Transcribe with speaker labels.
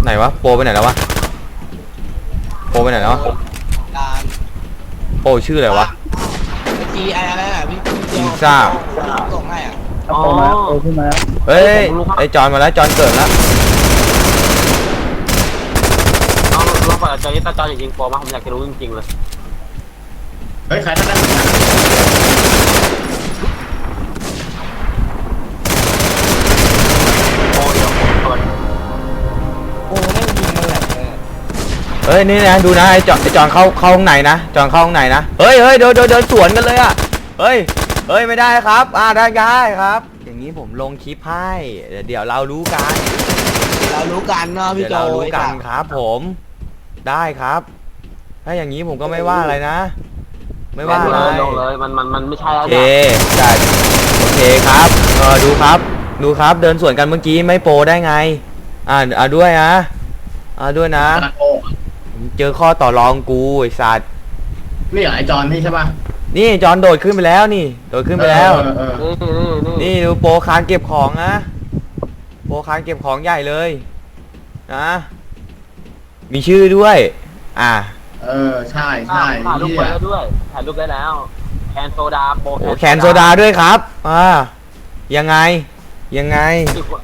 Speaker 1: ไหนวะโปรไปไหนแล้ววะโปรไปไหนแล้ววะ
Speaker 2: การ
Speaker 1: โปรชื่ออะไรวะ
Speaker 2: จีอะไรน่ะพี่เดียว
Speaker 1: พิซซ่า
Speaker 2: ส่งให้อ่ะ
Speaker 3: โอ้มาโอ้ขึ้นมาแล้ว
Speaker 1: เฮ้ยไอจอนมาแล้วจอนเกิดแล้ว
Speaker 4: น้องลองเปิดจอนี้ตาจอจริงๆโปรมาผมอยากจะรู้จริงๆเลย
Speaker 5: เฮ้ยใครท่านได้
Speaker 4: โปรเดียวเปิด
Speaker 2: โอ้แม่งยิงมันแหลกเลย
Speaker 1: เฮ้ยนี่นะดูนะไอจอนเข้าห้องไหนนะจอนเข้าห้องไหนนะเฮ้ยเดินสวนกันเลยอ่ะเฮ้ยไม่ได้ครับได้ครับ อย่างนี้ผมลงคลิปให้เดี๋ยวเรารู้กัน
Speaker 2: เรารู้กันเนาะพี่
Speaker 1: เดี๋ยว
Speaker 2: โจ
Speaker 1: เรารู้กันครับผมได้ครับ ถ้าอย่างนี้ผมก็ไม่ว่าอะไรนะ ไม่ว่าอะไร
Speaker 4: ลงเลยมันไม่ใช่แล้ว
Speaker 1: โอเค
Speaker 4: เนี่ย
Speaker 1: ได้โอเคครับดูครับเดินสวนกันเมื่อกี้ไม่โปรได้ไงด้วยนะด้วยนะ
Speaker 5: ตะโก
Speaker 1: เจอข้อต่อรองกูไอ้สัตว์
Speaker 5: นี่เหรอไอจอนนี่ใช่ป่ะ
Speaker 1: นี่จอนโดดขึ้นไปแล้วนี่โดดขึ้นไปแล้ว
Speaker 4: นี่
Speaker 1: นี่ดูโปรคานเก็บของนะโปรคานเก็บของใหญ่เลยนะมีชื่อด้วย
Speaker 5: ใช่
Speaker 4: ถ่ายรูปไปแล้วด้วยถ่ายรูปได้แล้วแคนโซดาโปร
Speaker 1: โอ้แคนโซดาด้วยครับยังไง